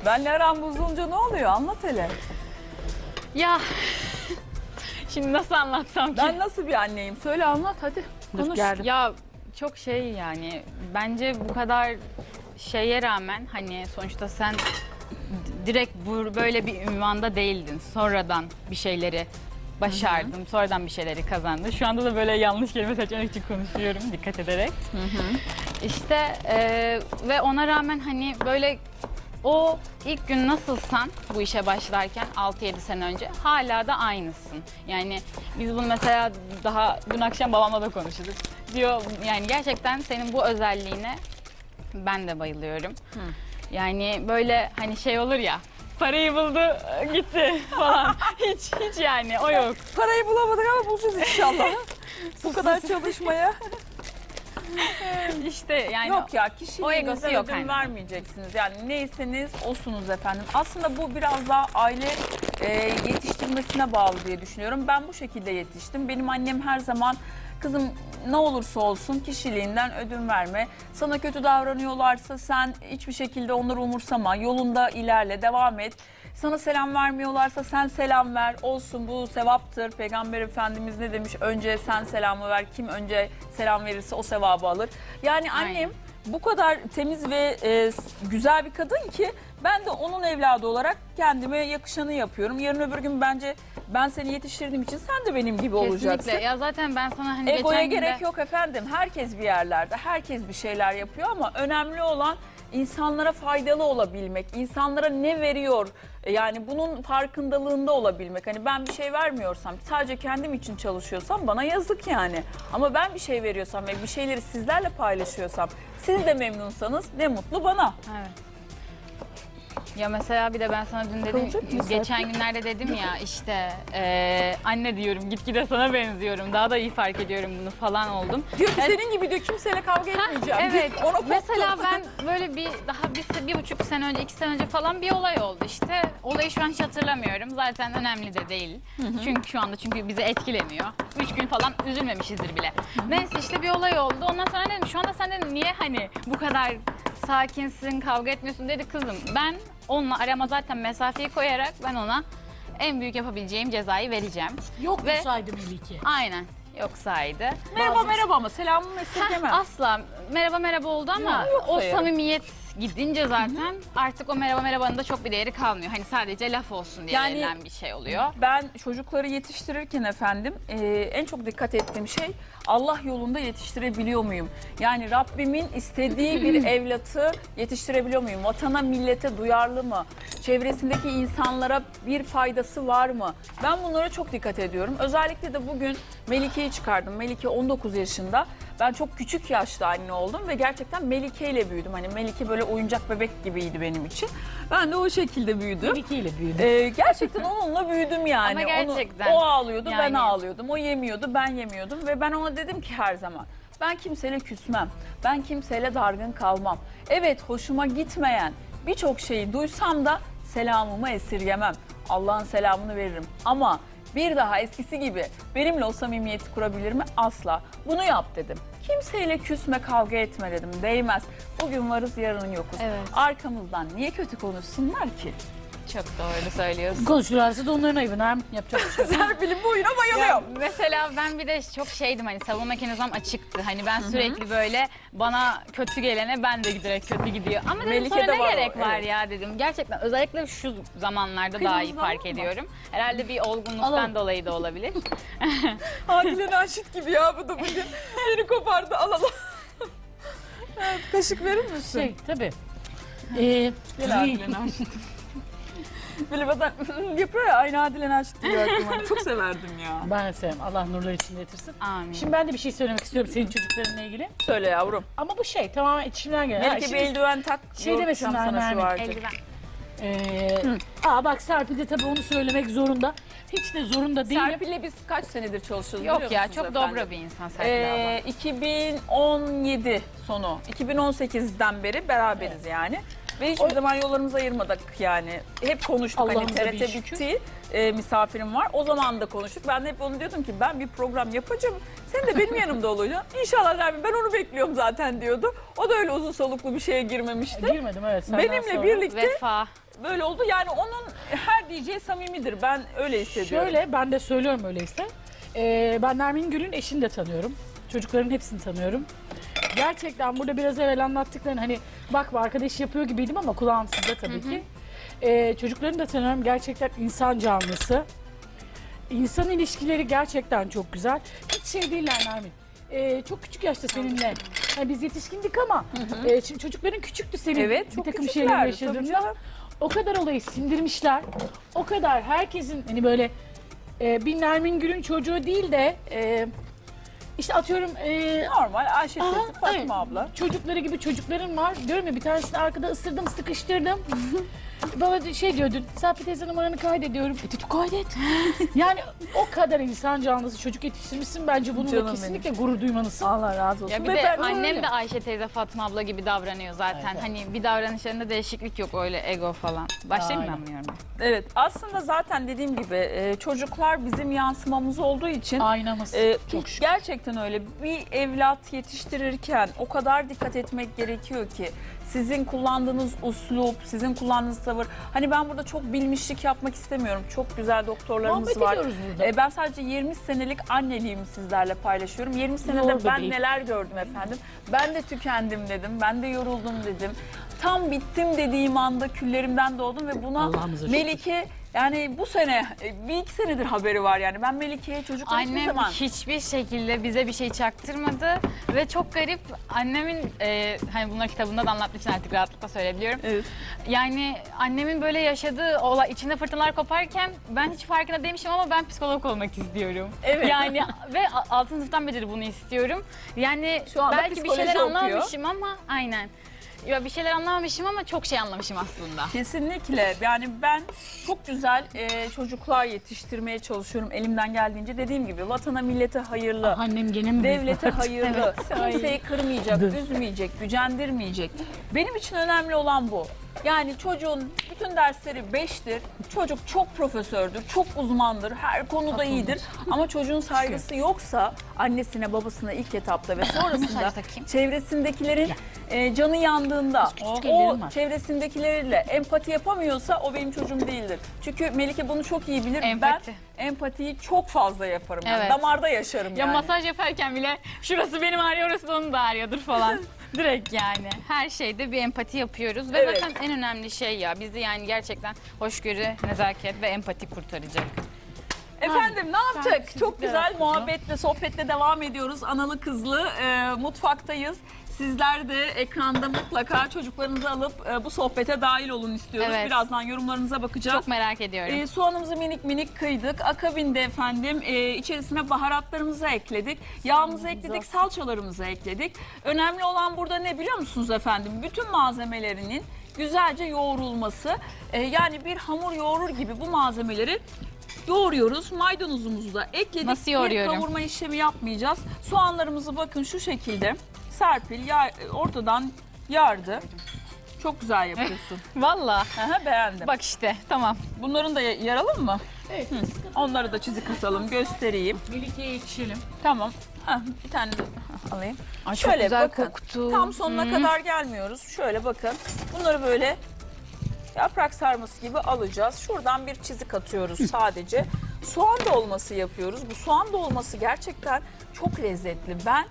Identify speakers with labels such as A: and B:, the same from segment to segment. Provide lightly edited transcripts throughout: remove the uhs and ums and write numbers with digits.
A: Benle aram bozulunca ne oluyor? Anlat hele.
B: Ya şimdi nasıl anlatsam ki?
A: Ben nasıl bir anneyim? Söyle anlat hadi. Konuş.
B: Ya çok şey yani bence bu kadar şeye rağmen hani sonuçta sen direkt böyle bir ünvanda değildin. Sonradan bir şeyleri başardım. Sonradan bir şeyleri kazandı. Şu anda da böyle yanlış kelime seçmek için konuşuyorum dikkat ederek. İşte ve ona rağmen hani böyle o ilk gün nasılsan bu işe başlarken 6-7 sene önce hala da aynısın. Yani biz bunu mesela daha dün akşam babamla da konuştuk. Diyor yani gerçekten senin bu özelliğine ben de bayılıyorum. Yani böyle hani şey olur ya, parayı buldu gitti falan. hiç yani o yok.
A: Parayı bulamadık ama bulacağız inşallah. Bu kadar çalışmaya.
B: İşte yani
A: Yok ya,
B: o
A: kişiliğinize
B: egosu yok
A: ödün
B: hani.
A: vermeyeceksiniz. Yani neyseniz osunuz efendim. Aslında bu biraz daha aile yetiştirmesine bağlı diye düşünüyorum. Ben bu şekilde yetiştim. Benim annem her zaman kızım ne olursa olsun kişiliğinden ödün verme. Sana kötü davranıyorlarsa sen hiçbir şekilde onları umursama. Yolunda ilerle, devam et. Sana selam vermiyorlarsa sen selam ver. Olsun, bu sevaptır. Peygamber Efendimiz ne demiş? Önce sen selamı ver. Kim önce selam verirse o sevabı alır. Yani annem
B: Aynen.
A: bu kadar temiz ve güzel bir kadın ki ben de onun evladı olarak kendime yakışanı yapıyorum. Yarın öbür gün bence ben seni yetiştirdiğim için sen de benim gibi olacaksın.
B: Kesinlikle. Ya zaten ben sana hani
A: Egoya
B: geçen
A: gerek
B: günde...
A: yok efendim. Herkes bir yerlerde, herkes bir şeyler yapıyor ama önemli olan insanlara faydalı olabilmek, insanlara ne veriyor, yani bunun farkındalığında olabilmek. Hani ben bir şey vermiyorsam, sadece kendim için çalışıyorsam bana yazık yani. Ama ben bir şey veriyorsam ve bir şeyleri sizlerle paylaşıyorsam, siz de memnunsanız ne mutlu bana.
B: Evet. Ya mesela bir de ben sana dün dedim,
A: Kalacak mı
B: geçen günlerde dedim ya işte anne diyorum gitgide sana benziyorum, daha da iyi fark ediyorum bunu falan oldum.
A: Diyor ki senin gibi diyor kimseyle kavga etmeyeceğim.
B: Evet.
A: Ona koptum.
B: Mesela ben böyle daha bir buçuk sene önce, 2 sene önce falan bir olay oldu işte. Olayı şu an hiç hatırlamıyorum. Zaten önemli de değil. Çünkü şu anda bizi etkilemiyor. 3 gün falan üzülmemişizdir bile. Neyse işte bir olay oldu. Ondan sonra dedim şu anda sen dedim niye hani bu kadar sakinsin, kavga etmiyorsun dedi kızım. Ben onunla arama zaten mesafeyi koyarak ben ona en büyük yapabileceğim cezayı vereceğim.
C: Yok
B: Ve-
C: mu saydı Melike?
B: Aynen. Yoksaydı.
A: Merhaba merhaba ama selamımı esirgemem.
B: Asla merhaba oldu ama
A: Ya, yok
B: o
A: sayarım.
B: samimiyet gidince zaten artık o merhabanın da çok bir değeri kalmıyor. Hani sadece laf olsun diye
A: Yani-
B: verilen bir şey oluyor.
A: Ben çocukları yetiştirirken efendim en çok dikkat ettiğim şey Allah yolunda yetiştirebiliyor muyum? Yani Rabbimin istediği bir evlatı yetiştirebiliyor muyum? Vatana, millete duyarlı mı? Çevresindeki insanlara bir faydası var mı? Ben bunlara çok dikkat ediyorum. Özellikle de bugün Melike'yi çıkardım. Melike 19 yaşında. Ben çok küçük yaşta anne oldum ve gerçekten Melike ile büyüdüm. Hani Melike böyle oyuncak bebek gibiydi benim için. Ben de o şekilde büyüdüm.
C: Melike ile büyüdü.
A: Gerçekten onunla büyüdüm yani.
B: Ama gerçekten.
A: O ağlıyordu, ben
B: Yani.
A: ağlıyordum. O yemiyordu, ben yemiyordum. Ve ben ona dedim ki her zaman, ben kimseyle küsmem. Ben kimseyle dargın kalmam. Evet, hoşuma gitmeyen birçok şeyi duysam da selamımı esirgemem. Allah'ın selamını veririm. Ama bir daha eskisi gibi benimle o samimiyeti kurabilir mi? Asla. Bunu yap dedim. Kimseyle küsme, kavga etme dedim. Değmez. Bugün varız, yarın yokuz.
B: Evet.
A: Arkamızdan niye kötü konuşsunlar ki?
B: Çok doğru söylüyorsun.
C: Konuşurlarsa da onların ayıbına yapacak bir şey yok.
A: Serpil'in bu oyuna
B: Ya
A: bayılıyorum.
B: mesela ben bir de çok şeydim hani savunma mekanizmam açıktı. Hani ben sürekli böyle bana kötü gelene ben de direkt kötü gidiyor. Ama dedim
A: Melike'de
B: sonra ne
A: var o,
B: gerek var
A: evet.
B: ya dedim. Gerçekten özellikle şu zamanlarda daha iyi
A: Kıyımızdan
B: fark
A: var mı?
B: ediyorum. Herhalde bir olgunluktan
C: Alalım.
B: dolayı da olabilir.
A: Adile Naşit gibi ya bu da bugün. Beni kopardı, alalım. Evet, kaşık verir misin?
C: Tabii.
A: Gel Adile Naşit. Böyle bazen yapıyor ya, aynı Adile Naşit diyor aklıma. Çok severdim ya.
C: Ben de sevmem. Allah nurlar içinde yatırsın.
B: Amin.
C: Şimdi ben de bir şey söylemek istiyorum senin çocuklarınla ilgili.
A: Söyle yavrum.
C: Ama bu tamamen içimden gelen.
A: Melike bir
C: şimdi,
A: eldiven tak.
C: şey demesinler
A: sana şu
C: Nermin,
A: vardı.
B: Eldiven.
C: bak Serpil de tabii onu söylemek zorunda. Hiç de zorunda değilim.
A: Serpil'le biz kaç senedir çalışıyoruz
B: Yok
A: biliyor
B: ya
A: musunuz
B: çok
A: efendim?
B: dobra bir insan Serpil abla.
A: 2017 sonu, 2018'den beri beraberiz yani. Ve hiçbir zaman yollarımızı ayırmadık yani. Hep konuştuk, hani
C: Allah'ımıza
A: TRT
C: bin şükür.
A: bitti, misafirim var. O zaman da konuştuk. Ben de hep onu diyordum ki ben bir program yapacağım. Sen de benim yanımda olacaksın. İnşallah Nermin, ben onu bekliyorum zaten diyordu. O da öyle uzun soluklu bir şeye girmemişti.
C: Girmedim evet. senden
A: Benimle
C: sonra.
A: birlikte
B: Vefa.
A: böyle oldu. Yani onun her diyeceği samimidir. Ben öyle hissediyorum.
C: Şöyle ben de söylüyorum öyleyse. Ben Nermin Gül'ün eşini de tanıyorum. Çocukların hepsini tanıyorum. Gerçekten burada biraz evvel anlattıklarını hani bak bu arkadaş yapıyor gibiydim ama kulağım sizde tabii ki. Çocuklarını da tanıyorum. Gerçekten insan canlısı. İnsan ilişkileri gerçekten çok güzel. Hiç şey değiller Nermin. Çok küçük yaşta seninle. Hani biz yetişkindik ama şimdi çocukların küçüktü senin.
A: Evet,
C: bir
A: çok
C: takım
A: küçüklerdi,
C: şeyler
A: tabii
C: yaşadığında.
A: canım.
C: O kadar olayı sindirmişler. O kadar herkesin hani böyle bir Nermin Gül'ün çocuğu değil de işte atıyorum
A: Normal Ayşe teyze,
C: aha,
A: Fatma
C: evet,
A: abla.
C: çocukları gibi çocukların var. Diyorum ya bir tanesini arkada ısırdım, sıkıştırdım. Bana şey diyordun, Serpil teyze numaranı kaydediyorum. Dedim kaydet. Yani o kadar insan canlısı çocuk yetiştirmişsin. Bence bununla
A: Canım
C: kesinlikle gurur duymalısın.
A: Allah razı olsun.
B: Ya bir
A: Ve
B: de
A: ben
B: annem
A: öyle.
B: de Ayşe teyze Fatma abla gibi davranıyor zaten.
C: Evet.
B: Hani bir davranışlarında değişiklik yok öyle ego falan. Başlayayım mı
C: Aynen.
B: anlıyorum?
A: Evet, aslında zaten dediğim gibi çocuklar bizim yansımamız olduğu için
C: Aynamız.
A: çok gerçekten öyle. Bir evlat yetiştirirken o kadar dikkat etmek gerekiyor ki sizin kullandığınız uslup, sizin kullandığınız tavır. Hani ben burada çok bilmişlik yapmak istemiyorum. Çok güzel doktorlarımız
C: Muhabbet
A: var.
C: ediyoruz burada.
A: Ben sadece 20 senelik anneliğimi sizlerle paylaşıyorum. 20 senede
C: Doğru
A: ben
C: bebeğim.
A: neler gördüm efendim. Ben de tükendim dedim. Ben de yoruldum dedim. Tam bittim dediğim anda küllerimden doğdum ve buna
C: Allah'ımıza şükür.
A: Melike yani bu sene bir iki senedir haberi var yani. Ben Melike'ye çocuklar hiçbir
B: Annem
A: zaman
B: hiçbir şekilde bize bir şey çaktırmadı ve çok garip annemin hani bunları kitabında da anlattığı için artık rahatlıkla söyleyebiliyorum.
A: Evet.
B: Yani annemin böyle yaşadığı olay içinde fırtınalar koparken ben hiç farkında değilmişim ama ben psikolog olmak istiyorum.
A: Evet.
B: Yani ve 6. sınıftan beridir bunu istiyorum. Yani
A: Şu anda
B: belki bir
A: psikoloji
B: şeyler
A: okuyor.
B: anlamamışım ama aynen. Ya bir şeyler anlamamışım ama çok şey anlamışım aslında.
A: Kesinlikle. Yani ben çok güzel çocuklar yetiştirmeye çalışıyorum elimden geldiğince. Dediğim gibi vatana millete hayırlı.
C: Annem gene mi?
A: Devlete hayırlı,
B: Evet.
A: kimseyi kırmayacak,
C: Dır.
A: üzmeyecek, gücendirmeyecek. Benim için önemli olan bu. Yani çocuğun bütün dersleri 5'tir. Çocuk çok profesördür, çok uzmandır, her konuda iyidir. Ama çocuğun saygısı yoksa annesine, babasına ilk etapta ve sonrasında
B: Mesaj takayım.
A: çevresindekilerin canı yandığında
C: küçük
A: o
C: ellerim var.
A: çevresindekilerle empati yapamıyorsa o benim çocuğum değildir. Çünkü Melike bunu çok iyi bilir.
B: Empati.
A: Ben empatiyi çok fazla yaparım. Yani.
B: Evet.
A: Damarda yaşarım
B: Ya
A: yani.
B: masaj yaparken bile şurası benim ağrıyor, orası da onun da ağrıyordur falan. Direkt yani. Her şeyde bir empati yapıyoruz ve
A: Evet.
B: zaten en önemli şey ya bizi yani gerçekten hoşgörü, nezaket ve empati kurtaracak.
A: Efendim ne yaptık?
C: Sensizlikler
A: Çok güzel
C: hakkında.
A: muhabbetle, sohbetle devam ediyoruz. Analı kızlı mutfaktayız. Sizler de ekranda mutlaka çocuklarınızı alıp bu sohbete dahil olun istiyoruz.
B: Evet.
A: Birazdan yorumlarınıza bakacağız.
B: Çok merak ediyorum.
A: Soğanımızı minik minik kıydık. Akabinde efendim içerisine baharatlarımızı ekledik. Yağımızı ekledik, salçalarımızı ekledik. Önemli olan burada ne biliyor musunuz efendim? Bütün malzemelerinin güzelce yoğrulması. Yani bir hamur yoğurur gibi bu malzemeleri yoğuruyoruz. Maydanozumuzu da ekledik.
B: Nasıl
A: Bir
B: yoğuruyorum?
A: kavurma işlemi yapmayacağız. Soğanlarımızı bakın şu şekilde Serpil ortadan yardı. Çok güzel yapıyorsun.
B: Valla.
A: Aha, beğendim.
B: Bak işte tamam.
A: Bunların da yaralım mı?
C: Evet.
A: Onları da çizik atalım, göstereyim.
C: Melike'ye yetişelim.
A: Tamam. Heh, bir tane de alayım.
B: Ay,
A: Şöyle
B: çok güzel
A: bakın.
B: koktu.
A: Tam sonuna kadar gelmiyoruz. Şöyle bakın. Bunları böyle yaprak sarması gibi alacağız. Şuradan bir çizik atıyoruz sadece. Soğan dolması yapıyoruz. Bu soğan dolması gerçekten çok lezzetli. Ben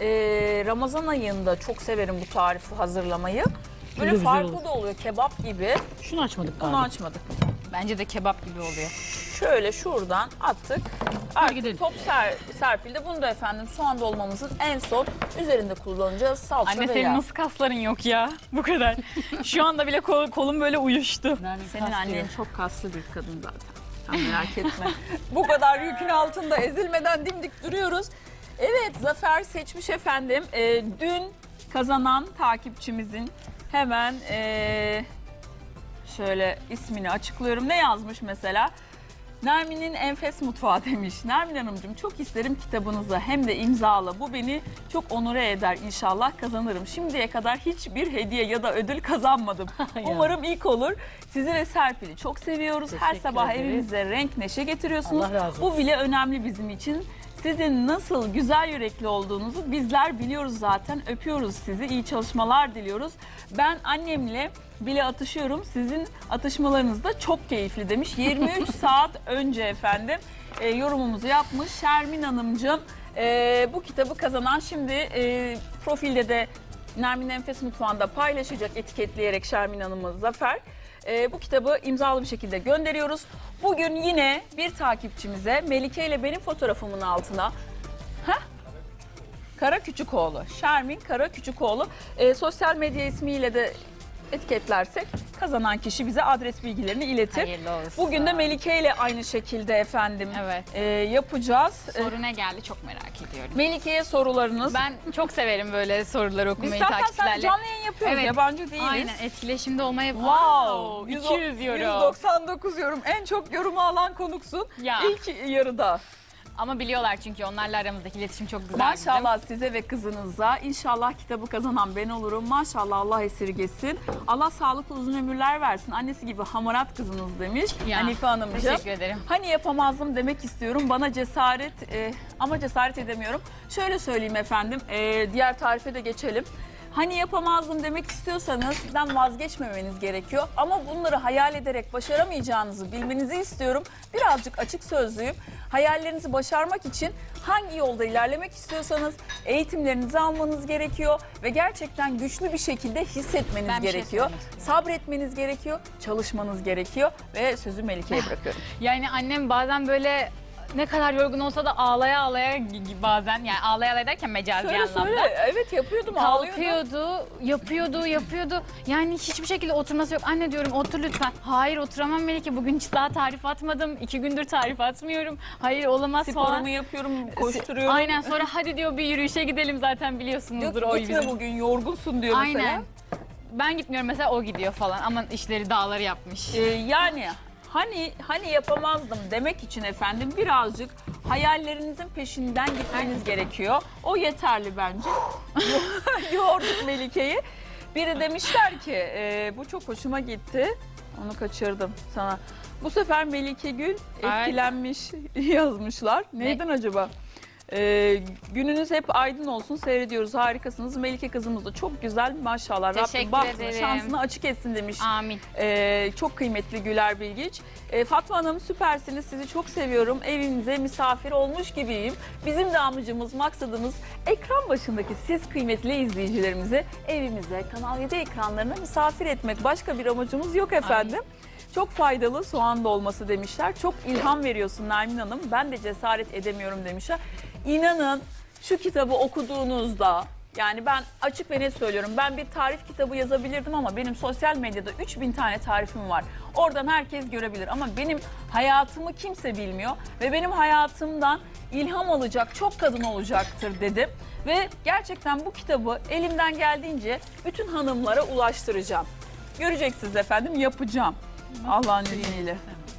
A: Ramazan ayında çok severim bu tarifi hazırlamayı. Böyle
C: Güzel
A: farklı
C: olur.
A: da oluyor, kebap gibi.
C: Şunu açmadık
A: Onu
C: galiba.
A: açmadık.
B: Bence de kebap gibi oluyor.
A: Şöyle şuradan attık.
C: gidelim.
A: Artık top serpildi. Bunu da efendim soğan dolmamızın en son üzerinde kullanacağız. Salça
B: Anne
A: ve
B: senin
A: yağ.
B: nasıl kasların yok ya? Bu kadar. Şu anda bile kolum böyle uyuştu.
C: Nermin
A: Senin
C: kastıyor.
A: annen çok kaslı bir kadın zaten. Sen merak etme. Bu kadar yükün altında ezilmeden dimdik duruyoruz. Evet, Zafer seçmiş efendim. Dün kazanan takipçimizin hemen şöyle ismini açıklıyorum. Ne yazmış mesela? Nermin'in Enfes Mutfağı demiş. Nermin Hanımcığım çok isterim kitabınızı hem de imzalı. Bu beni çok onure eder, inşallah kazanırım. Şimdiye kadar hiçbir hediye ya da ödül kazanmadım.
C: Ya.
A: Umarım ilk olur. Sizi ve Serpil'i çok seviyoruz. Her
C: Teşekkür
A: sabah
C: ederiz.
A: evimize renk neşe getiriyorsunuz.
C: Allah razı olsun.
A: Bu bile önemli bizim için. Sizin nasıl güzel yürekli olduğunuzu bizler biliyoruz zaten. Öpüyoruz sizi. İyi çalışmalar diliyoruz. Ben annemle bile atışıyorum. Sizin atışmalarınız da çok keyifli demiş. 23 saat önce efendim yorumumuzu yapmış Şermin Hanımcığım. Bu kitabı kazanan şimdi profilde de Nermin Enfes Mutfağı'nda paylaşacak etiketleyerek Şermin Hanım'ı Zafer. Bu kitabı imzalı bir şekilde gönderiyoruz. Bugün yine bir takipçimize Melike ile benim fotoğrafımın altına Kara Küçükoğlu, Şermin Kara Küçükoğlu sosyal medya ismiyle de etiketlersek kazanan kişi bize adres bilgilerini iletir.
B: Hayırlı olsun.
A: Bugün de Melike ile aynı şekilde efendim
B: Evet.
A: yapacağız.
B: Soru ne geldi çok merak ediyorum.
A: Melike'ye sorularınız.
B: Ben çok severim böyle soruları
A: Biz
B: okumayı
A: zaten sen
B: takipçilerle.
A: canlı yayın yapıyoruz,
B: Evet.
A: yabancı değiliz.
B: Aynen, etkileşimde olmayı...
A: Wow,
B: 200 euro.
A: 199 yorum. En çok yorumu alan konuksun.
B: Ya.
A: İlk yarıda.
B: Ama biliyorlar çünkü onlarla aramızdaki iletişim çok güzel.
A: Maşallah size ve kızınıza. İnşallah kitabı kazanan ben olurum. Maşallah Allah esirgesin. Allah sağlıklı uzun ömürler versin. Annesi gibi hamarat kızınız demiş
B: Ya,
A: Hanife Hanımcığım.
B: Teşekkür ederim.
A: Hani yapamazdım demek istiyorum. Bana cesaret ama cesaret edemiyorum. Şöyle söyleyeyim efendim. Diğer tarife de geçelim. Hani yapamazdım demek istiyorsanız sizden vazgeçmemeniz gerekiyor. Ama bunları hayal ederek başaramayacağınızı bilmenizi istiyorum. Birazcık açık sözlüyüm. Hayallerinizi başarmak için hangi yolda ilerlemek istiyorsanız eğitimlerinizi almanız gerekiyor. Ve gerçekten güçlü bir şekilde hissetmeniz
B: Ben bir şey
A: gerekiyor.
B: söylemek istiyorum.
A: Sabretmeniz gerekiyor. Çalışmanız gerekiyor. Ve sözü Melike'ye bırakıyorum.
B: Yani annem bazen böyle ne kadar yorgun olsa da ağlaya ağlaya bazen, yani ağlaya ağlaya derken mecazi
A: Söyle
B: anlamda.
A: söyle. Evet yapıyordum, ağlıyordum.
B: Kalkıyordu, yapıyordu. Yani hiçbir şekilde oturması yok. Anne diyorum otur lütfen. Hayır oturamam Melike. Bugün hiç daha tarif atmadım. 2 gündür tarif atmıyorum. Hayır olamaz
A: Sporumu
B: falan.
A: yapıyorum, koşturuyorum.
B: Aynen, sonra hadi diyor bir yürüyüşe gidelim, zaten biliyorsunuzdur
A: Diyor
B: o
A: ki, gitme
B: bizim.
A: bugün yorgunsun diyor mesela.
B: Aynen. Ben gitmiyorum mesela, o gidiyor falan. Ama işleri dağları yapmış.
A: Yani hani yapamazdım demek için efendim birazcık hayallerinizin peşinden gitmeniz gerekiyor. O yeterli bence. Yorduk Melike'yi. Biri demişler ki bu çok hoşuma gitti. Onu kaçırdım sana. Bu sefer Melike Gül etkilenmiş yazmışlar. Neyden acaba? Gününüz hep aydın olsun, seyrediyoruz, harikasınız. Melike kızımız da çok güzel, maşallah.
B: Teşekkür
A: Rabbim bahtını,
B: ederim.
A: şansını açık etsin demiş.
B: Amin.
A: Çok kıymetli Güler Bilgiç. Fatma Hanım süpersiniz, sizi çok seviyorum. Evimize misafir olmuş gibiyim. Bizim de amacımız, maksadımız ekran başındaki siz kıymetli izleyicilerimizi evimize, Kanal 7 ekranlarına misafir etmek. Başka bir amacımız yok efendim. Çok faydalı soğan dolması demişler. Çok ilham veriyorsun Nermin Hanım. Ben de cesaret edemiyorum demişler. İnanın şu kitabı okuduğunuzda, yani ben açık ve net söylüyorum, ben bir tarif kitabı yazabilirdim ama benim sosyal medyada 3000 tane tarifim var. Oradan herkes görebilir ama benim hayatımı kimse bilmiyor ve benim hayatımdan ilham alacak çok kadın olacaktır dedim. Ve gerçekten bu kitabı elimden geldiğince bütün hanımlara ulaştıracağım. Göreceksiniz efendim, yapacağım Allah'ın izniyle.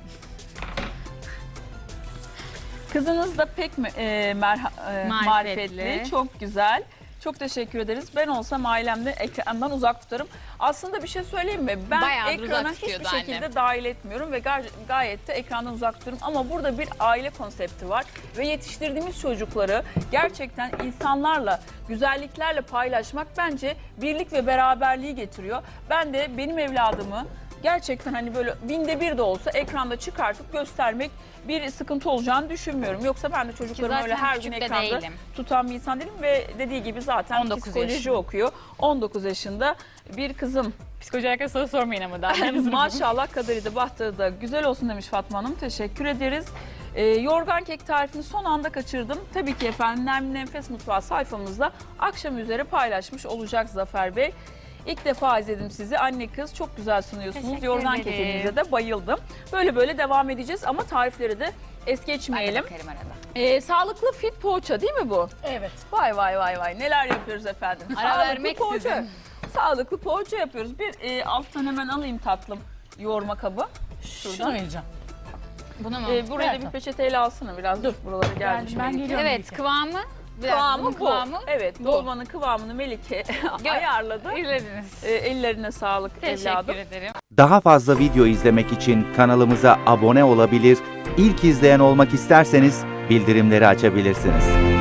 A: Kızınız da pek marifetli, çok güzel. Çok teşekkür ederiz. Ben olsam ailemde ekrandan uzak tutarım. Aslında bir şey söyleyeyim mi? Ben
B: Bayağıdır
A: ekrana
B: uzak
A: hiçbir
B: tutuyordu
A: şekilde
B: annem.
A: dahil etmiyorum ve gayet de ekrandan uzak tutuyorum. Ama burada bir aile konsepti var ve yetiştirdiğimiz çocukları gerçekten insanlarla, güzelliklerle paylaşmak bence birlik ve beraberliği getiriyor. Ben de benim evladımı gerçekten hani böyle binde bir de olsa ekranda çıkartıp göstermek bir sıkıntı olacağını düşünmüyorum. Yoksa ben de çocuklarımı öyle her gün
B: küçük de
A: ekranda
B: değilim.
A: tutan bir insan değilim ve dediği gibi zaten
B: 19
A: psikoloji
B: yaşında.
A: okuyor. 19 yaşında bir kızım.
B: Psikoloji hakkında soru sormayın ama daha.
A: Maşallah kaderi de bahtları da güzel olsun demiş Fatma Hanım. Teşekkür ederiz. Yorgan kek tarifini son anda kaçırdım. Tabii ki efendim Nermin Enfes Mutfağı sayfamızda akşam üzeri paylaşmış olacak Zafer Bey. İlk defa izledim sizi. Anne kız çok güzel sunuyorsunuz.
B: Teşekkür
A: Yorgan
B: ederim.
A: kekinize de bayıldım. Böyle devam edeceğiz ama tarifleri de es geçmeyelim.
B: Bakarım arada.
A: Sağlıklı fit poğaça değil mi bu?
C: Evet.
A: Vay neler yapıyoruz efendim.
B: Ara
A: Sağlıklı
B: vermek
A: poğaça.
B: sizin.
A: Sağlıklı poğaça yapıyoruz. Bir alttan hemen alayım tatlım yoğurma kabı.
C: Şunu
A: Şuradan.
C: vereceğim.
B: Bunu mu?
A: Buraya da
C: Evet.
A: bir peçeteyle alsana biraz. Dur buraları gelmiş.
C: Ben
A: Melike.
C: geliyorum.
B: Evet, kıvamı.
A: Kıvamı bu.
B: Kıvamı.
A: Evet,
C: bu.
A: dolmanın kıvamını Melike ayarladı.
B: İzlediniz.
A: Ellerine sağlık evladım.
B: Teşekkür ederim.
D: Daha fazla video izlemek için kanalımıza abone olabilir, ilk izleyen olmak isterseniz bildirimleri açabilirsiniz.